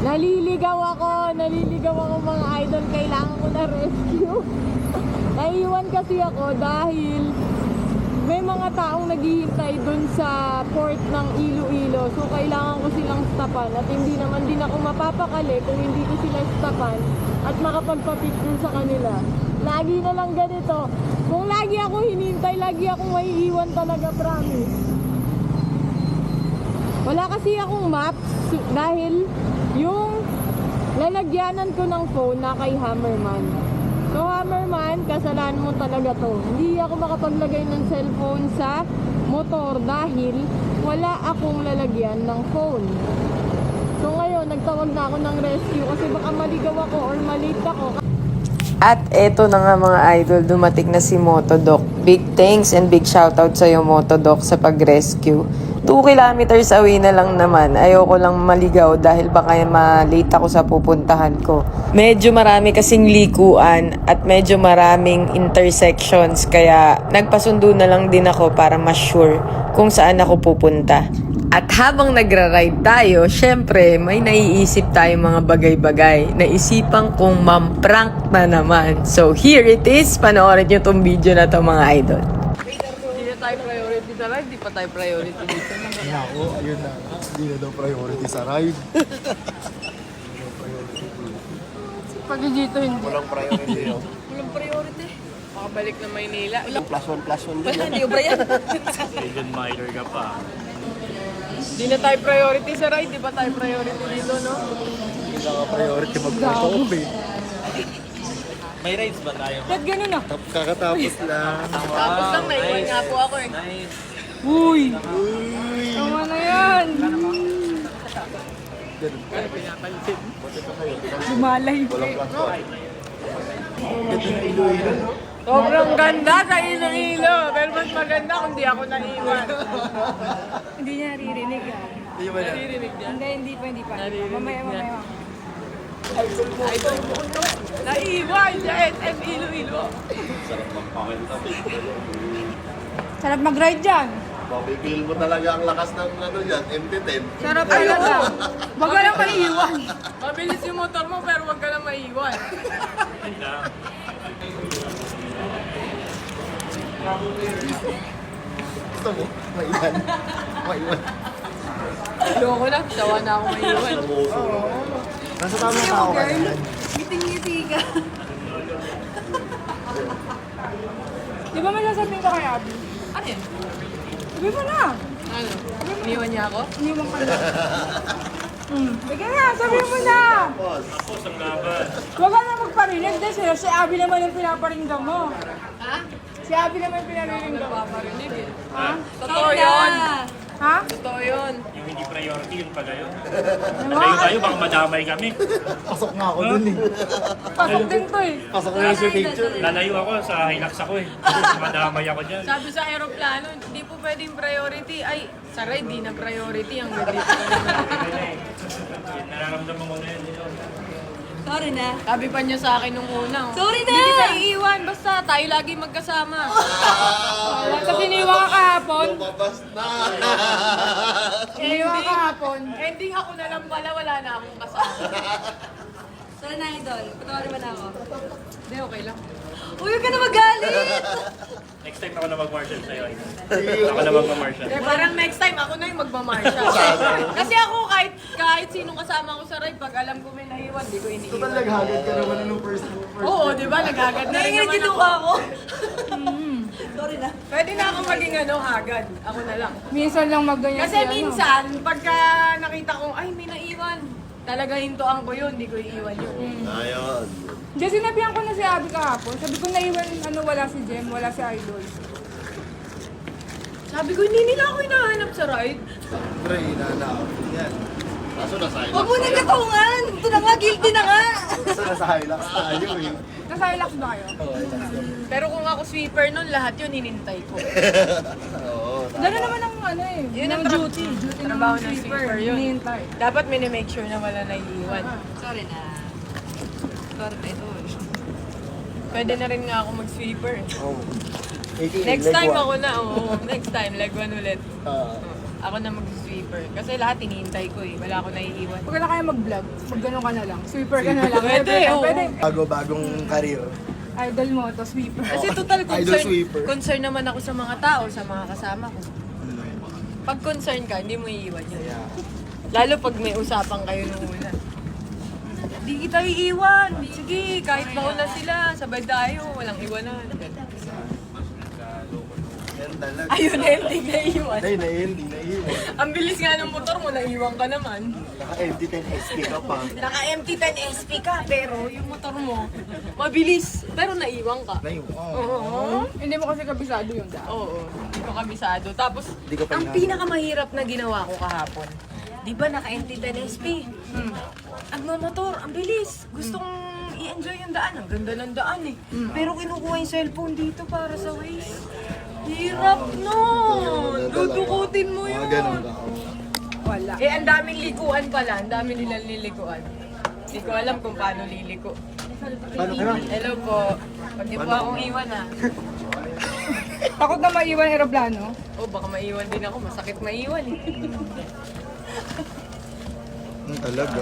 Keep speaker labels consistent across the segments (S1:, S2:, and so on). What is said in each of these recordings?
S1: Naliligaw ako mga idol. Kailangan ko na rescue. Naiiwan kasi ako dahil may mga taong naghihintay dun sa port ng Iloilo. So kailangan ko silang stopan at hindi naman din ako mapapakali kung hindi ko sila stopan at makapagpa-picture sa kanila. Lagi na lang ganito. Kung lagi ako hinintay, lagi akong maiiwan talaga, promise. Wala kasi akong maps dahil yung lalagyanan ko ng phone na kay Hammerman. So Hammerman, kasalanan mo talaga to. Hindi ako makapaglagay ng cellphone sa motor dahil wala akong lalagyan ng phone. So ngayon, nagtawag na ako ng rescue kasi baka maligaw ako or malate ako.
S2: At eto na nga mga idol, dumating na si Motodoc. Big thanks and big shoutout sa'yo Motodoc sa pag-rescue. 2 kilometers away na lang naman. Ayoko lang maligaw dahil baka ma-late ako sa pupuntahan ko. Medyo marami kasing likuan at medyo maraming intersections kaya nagpasundo na lang din ako para mas sure kung saan ako pupunta. At habang nagra-ride tayo, syempre may naiisip tayong mga bagay-bagay. Naisipan kong mamprank na naman. So here it is, panoorin nyo tong video na to mga idol.
S1: Hindi na tayo priority sa ride, di pa tayo priority dito.
S3: Nako, ayun na. Hindi na daw priority sa ride.
S1: Pag dito hindi.
S3: Walang priority yun.
S1: Walang priority. Makabalik na Maynila.
S3: Plus one din.
S1: Hindi ba yan?
S4: Even minor ka pa.
S1: Di na tayo priority sa ride, di ba tayo priority dito, no?
S3: Hindi na nga priority mag-perform eh.
S4: May rides ba tayo?
S1: Ba't ganun ah?
S3: Kakatapos lang.
S1: Tapos lang, naiwan nga po ako eh.
S4: Nice.
S1: Uy!
S3: Uy!
S1: Tama na yan! Lumalay.
S3: Walang plus one. Ito na Iloilo.
S1: Sobrang ganda sa Iloilo. Pero mas maganda kung di ako naiwan.
S5: Hindi niya naririnig ah.
S3: Hindi ba yan?
S1: Naririnig niya?
S5: Hindi pa.
S1: Naririnig
S5: Mamaya.
S1: niya. Naiwan sa SM Iloilo.
S5: Sarap mag-ride dyan.
S3: Mapipil mo talaga ang lakas ng ano yan, MT-10.
S5: Sarap talaga. Wag ka lang maiiwan.
S1: Mabilis yung motor mo pero wag ka lang maiwan.
S3: Gusto mo? Maiwan. Maiwan.
S1: Ayoko na, tawa na ako maiwan.
S3: Namuso. Nasa tamang tao ka na.
S5: Ngiting-ngiti ka. Di ba may sasabihin ka kay Abby?
S1: Ano yan?
S5: Sabi mo na.
S1: Ano? Iniwan niya ako?
S5: Iniwan ka na. Sige na, sabi mo na.
S4: Tapos ang laban.
S5: Huwag ka na magparinig kasi si Abby naman yung pinaparinggan mo.
S1: Ha?
S5: Si Abby naman yung pinaparinggan mo.
S1: Paparinig eh.
S4: Ha?
S1: Totoo yun.
S5: Ha?
S1: Totoo yun.
S4: Yung hindi priority, yun pala yun. Nalayo tayo, baka madamay kami.
S3: Pasok nga ako dun eh.
S5: Pasok din to eh.
S3: Pasok na yung picture eh.
S4: Lalayo ako, sa Hilux ako eh. Madamay ako dyan.
S1: Sabi sa aeroplano, hindi po pwedeng priority. Ay, sa ride, di na priority. Ang dito.
S4: Nararamdaman ko na yun.
S5: Sorry na.
S1: Sabi pa niya sa akin nung una.
S5: Sorry na!
S1: Hindi kita iiwan, basta tayo lagi magkasama.
S5: Kasi iniwan ka kahapon.
S3: Lumabas na!
S5: Iniwan ka kahapon.
S1: Ending ako na lang pala, wala na akong kasama.
S5: Sorry na, idol. Patawarin mo na ako.
S1: Hindi, okay lang.
S5: Uy, huwag ka na magalit!
S4: Next time ako na mag-marshal sa'yo. Ako na mag-marshal.
S1: Eh, parang next time ako na yung magmamarsha. Kasi ako kahit sinong kasama ko sa ride, pag alam ko may naiwan, di ko iniiwan.
S3: Total naghagad ka naman nung first.
S1: Oo, di ba? Nagagad na rin naman ako.
S5: ako. Sorry na.
S1: Pwede na ako maging hagad. Ako na lang.
S5: Minsan lang magganyan
S1: Kasi minsan, pagka nakita ko, ay may naiwan. Talaga hintuan ko yun, di ko iiwan yun.
S3: Ayun.
S5: Kasi sinabihan ko na si Abby kahapon. Sabi ko naiwan, wala si Jem, wala si Idol.
S1: Sabi ko, hindi nila ako hinahanap sa ride.
S3: Pre, inanaw. Yan. Kaso nasa Hilux.
S5: Huwag mo na katungan! Ito na nga, guilty na nga!
S3: Kaso nasa Hilux tayo eh.
S5: Nasa relax ba kayo?
S1: Pero kung ako sweeper nun, lahat yun hinintay ko.
S3: Oo.
S5: Gano'n naman ang
S1: Yun ang
S5: duty. Duty
S1: trabaho ng sweeper yun.
S5: Hinihintay.
S1: Dapat minimake sure na wala naiiwan.
S5: Sorry na. Sorry na ito.
S1: Pwede na rin nga ako mag-sweeper.
S3: Oh. AKA
S1: Next time
S3: Legwa.
S1: ako na, oo. Next time, leg one ulit.
S3: Ah.
S1: Ako na mag-sweep.
S2: sweeper. Kasi lahat hinihintay ko eh. Wala ako naiiwan.
S5: Pag wala kaya mag-vlog, mag-ganon ka na lang. Sweeper ka na lang.
S2: Pwede, oo.
S5: Pwede.
S3: Bago-bagong career.
S5: Idol mo to, sweeper.
S2: Kasi total
S3: Idol sweeper.
S2: concern naman ako sa mga tao, sa mga kasama ko. Pag concern ka, hindi mo iiwan yun. Lalo pag may usapan kayo nung una. Hindi kita iiwan. Sige, kahit mauna sila, sabay tayo. Walang iwanan.
S3: Yan talaga.
S2: Ayun, ending na iwan.
S3: Ay, hindi naiiwan.
S2: Ang bilis nga ng motor mo, naiwan ka naman.
S3: Naka-empty 10 SP ka pa.
S2: Naka-empty 10 SP ka, pero yung motor mo, mabilis. Pero naiwan ka.
S3: Naiiwan.
S2: Oo.
S5: Hindi mo kasi kabisado yung daan.
S2: Oo, hindi ko kabisado. Tapos,
S3: Hindi ko pa
S2: ang
S3: hinahanap.
S2: pinakamahirap na ginawa ko kahapon, di ba naka-empty 10 SP? Ang motor, ang bilis. Gustong i-enjoy yung daan. Ang ganda ng daan eh. Pero kinukuha yung cellphone dito para sa Waze. Hirap nun! Dudukutin mo yun.
S3: Mga ganun ba?
S5: Wala.
S2: Eh, ang daming likuan pala. Ang dami nilang lilikuan. Hindi ko alam kung paano liliko.
S3: Paano ka na?
S2: Hello po. Pag niyo po akong iwan ah.
S5: Takot na maiwan aeroplano.
S2: Oh, baka maiwan din ako. Masakit maiwan eh.
S3: Talaga.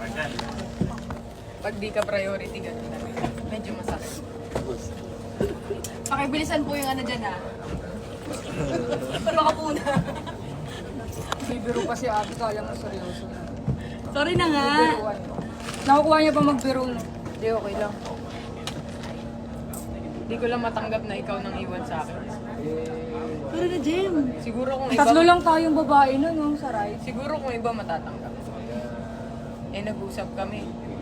S2: Pag di ka priority, ganun na. Medyo masakit.
S5: Pakibilisan po yung ano dyan ha.
S2: Baka po na.
S5: Bibiro pa si Abby, kala mo seryoso na.
S2: Sorry na nga.
S5: Biruan. Nakukuha niya pa magbiro.
S2: Hindi, okay lang. Hindi ko lang matanggap na ikaw nang iwan sa akin.
S5: Pero na, Jem.
S2: Siguro kung iba...
S5: Tatlo lang tayong babae nun, no, sa ride.
S2: Siguro kung iba matatanggap. Eh, nag-usap kami.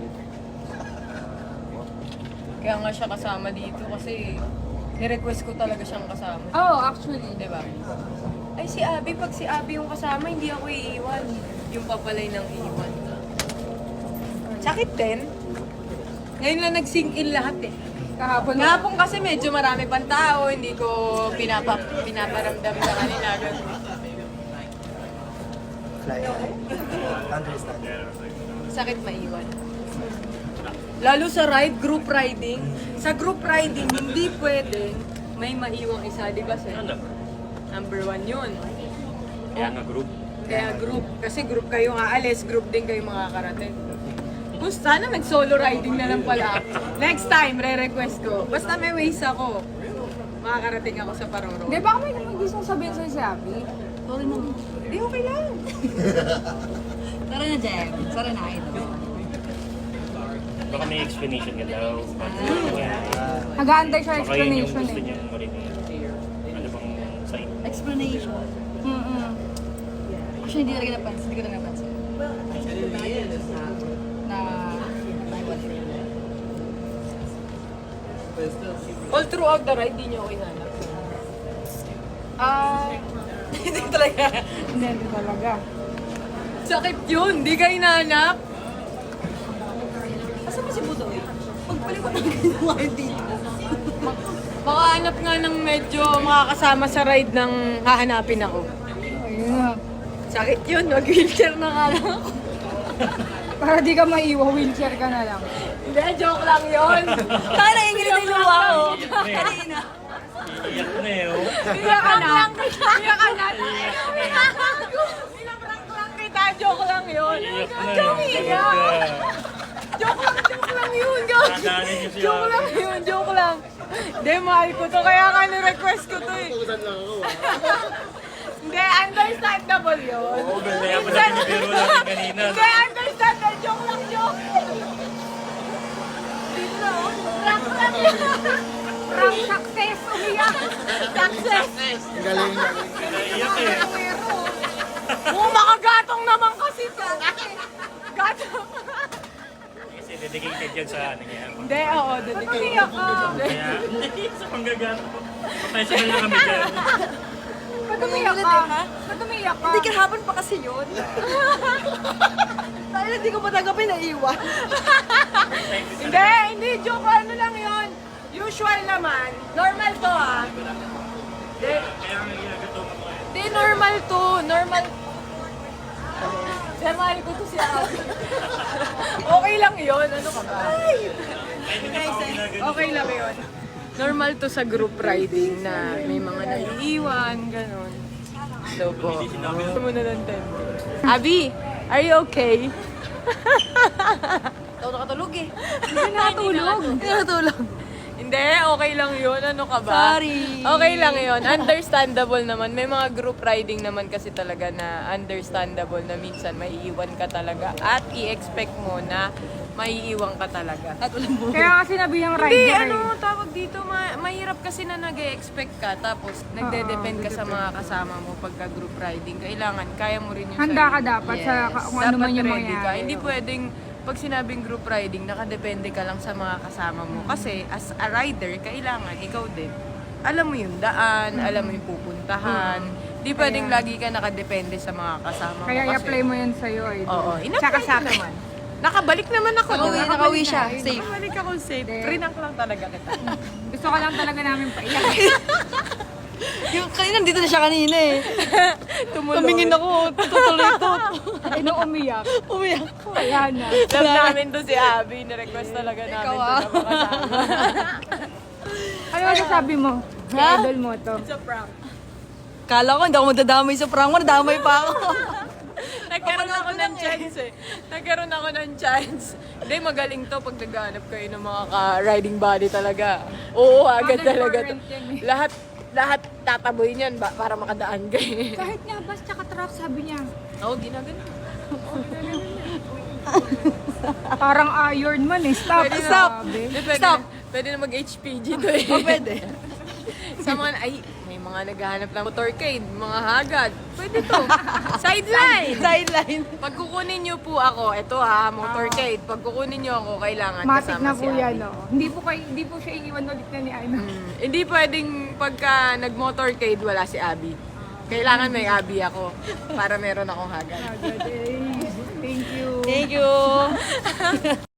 S2: Kaya nga siya kasama dito kasi ni-request ko talaga siyang kasama.
S5: Oh, actually.
S2: Diba? Ay, si Abby, pag si Abby yung kasama, hindi ako iiwan. Yung papalay ng iiwan. Sakit din. Ngayon lang nag-sink in lahat eh.
S5: Kahapon
S2: Ngapon kasi medyo marami pang tao, hindi ko pinaparamdam sa kanila.
S3: Fly. Understand.
S2: Sakit maiwan. Lalo sa ride, group riding. Sa group riding, hindi pwede may maiwang isa, di ba sir? Number 1 yun.
S4: Kaya nga group.
S2: Kaya group. Kasi group kayo aalis, group din kayo makakarating. Kung sana nag-solo riding na lang pala ako. Next time, re-request ko. Basta may ways ako. Makakarating ako sa Paroro.
S5: Di ba may gustong sabihin sa'yo si Abby?
S2: Sorry mo. Hindi, okay lang.
S5: Tara na, Jem. Tara na, idol.
S4: Baka may explanation ka daw.
S5: Nag-aantay siya
S4: Baka yun yung
S5: explanation
S4: gusto
S5: eh.
S4: niyang marinig. Ano bang side?
S6: Explanation. Actually, hindi talaga napansin. Hindi ko talaga napansin. Na
S2: All throughout the ride, di niyo ako inanap. Hindi talaga.
S5: Hindi talaga.
S2: Sakit yun, di ka inanap.
S6: Asa mo si Budoy? Pagpalit ko ng ginawa dito.
S2: Makahanap nga ng medyo makakasama sa ride ng hahanapin ako.
S5: Ayun na.
S2: Sakit yun, mag-wheelchair na nga lang ako.
S5: Para di ka maiwa, wheelchair ka na lang.
S2: Hindi, joke lang yun.
S6: Kaya nanginginig na yung luha ko. Kanina.
S4: Iyak na eh, oh.
S2: Iyak ka na. Iyak ka na. Pinaprank lang kita, joke lang yun.
S4: Iyak na eh.
S2: Joke iyak. Joke lang yun.
S4: Nadaanin niyo siya.
S2: Joke lang yun, joke lang. Hindi, mahal ko to. Kaya nga ni-request ko to eh. Hindi, understandable yun.
S4: Kaya pala pinibiro natin kanina.
S2: Hindi, understandable. Joke lang, joke. Dito na, oh. Prank yun.
S5: Prank success! Umiyak!
S2: Success.
S3: Ang galing.
S4: Iyak eh.
S2: Oo, makagatong naman kasi to. Gatong.
S4: Kasi dedicated yan sa ano niya.
S2: Hindi, oo. Umiyak ka.
S4: Kaya, hindi, sa panggagato. Professional na kami dyan.
S5: Ba't umiyak ka? Ba't umiyak ka?
S6: Hindi kahapon pa kasi yun. Dahil hindi ko matanggapin na iwan.
S2: Hindi. Joke. Ano lang yun. Usual naman. Normal to, ha. Hindi.
S4: Kaya nga ginagato ko eh.
S2: Hindi, normal to. Normal. Mahal ko to si Abby. Okay lang yun. Ano ka ba? Okay lang yun. Normal to sa group riding na may mga naiiwan, gano'n. So po. Gusto mo na ng 10.
S1: Abi, are you okay?
S6: Ikaw nakatulog eh.
S5: Hindi nakatulog.
S6: Nakatulog.
S1: Hindi, okay lang yun. Ano ka ba?
S6: Sorry.
S1: Okay lang yun. Understandable naman. May mga group riding naman kasi talaga na understandable na minsan maiiwan ka talaga at i-expect mo na maiiwan ka talaga.
S6: At walang buhay.
S5: Kaya kasi nabi yung
S1: Hindi,
S5: rider.
S1: ano, tawag dito, mahirap kasi na nag-expect ka tapos nagde-depend ka sa mga kasama mo pagka group riding. Kailangan, kaya mo rin yung
S5: Handa ka
S1: sarili.
S5: dapat sa kung ano
S1: Dapat
S5: man yung
S1: ready ka.
S5: mangyayari.
S1: Hindi pwedeng pag sinabing group riding, nakadepende ka lang sa mga kasama mo. Kasi as a rider, kailangan ikaw din. Alam mo yung daan, alam mo yung pupuntahan. Hindi pwedeng lagi ka nakadepende sa mga kasama mo.
S5: Kaya
S1: kasi,
S5: i-apply mo yan sa'yo. Eh.
S1: Oo,
S5: Tsaka
S1: in-apply
S5: sa
S1: ko naman. Nakabalik naman ako.
S6: Nakauwi siya. Safe.
S1: Nakabalik ako safe. Prinak lang talaga kita.
S5: Gusto ko lang talaga namin paiyak.
S6: Yung kanina, nandito na siya kanina eh.
S1: Tumulong.
S6: Tumingin ako. Tutuloy ito.
S5: Eh, nung umiyak.
S6: Umiyak.
S5: Wala na.
S1: Love namin to si Abby. Na-request talaga namin to na makasama.
S5: Ano masasabi mo? Si
S6: Ha?
S5: idol mo to.
S1: Sa prank.
S6: Kala ko hindi ako madadamay sa prank mo. Nadamay pa ako.
S1: Nagkaroon ako ng chance eh. Nagkaroon ako ng chance. Hindi, magaling to pag naghahanap kayo ng mga ka-riding body talaga. Oo, agad
S5: Common
S1: talaga to.
S5: current yan eh.
S1: Lahat tataboy niyan para makadaan kayo.
S5: Kahit nga bus tsaka truck, sabi niya.
S1: Oo, ginagano.
S5: Parang Iron Man eh. Stop.
S1: Pwede na.
S5: Stop.
S1: Hindi, pwede,
S6: Stop.
S1: Pwede na mag-HPG to eh.
S6: Pwede.
S1: Sa mga, may mga naghahanap ng motorcade, mga hagad. Pwede to. Sideline!
S6: Sideline.
S1: Pag kukunin niyo po ako, ito ha, motorcade. Pag kukunin niyo ako, kailangan
S5: Matik
S1: kasama
S5: na
S1: si
S5: po
S1: Abby.
S5: yan, no? Hindi po siya iiwan ulit na ni ano.
S1: Hindi pwedeng pagka nag-motorcade, wala si Abby. Kailangan may Abby ako para meron akong hagad.
S5: Thank you.
S6: Thank you.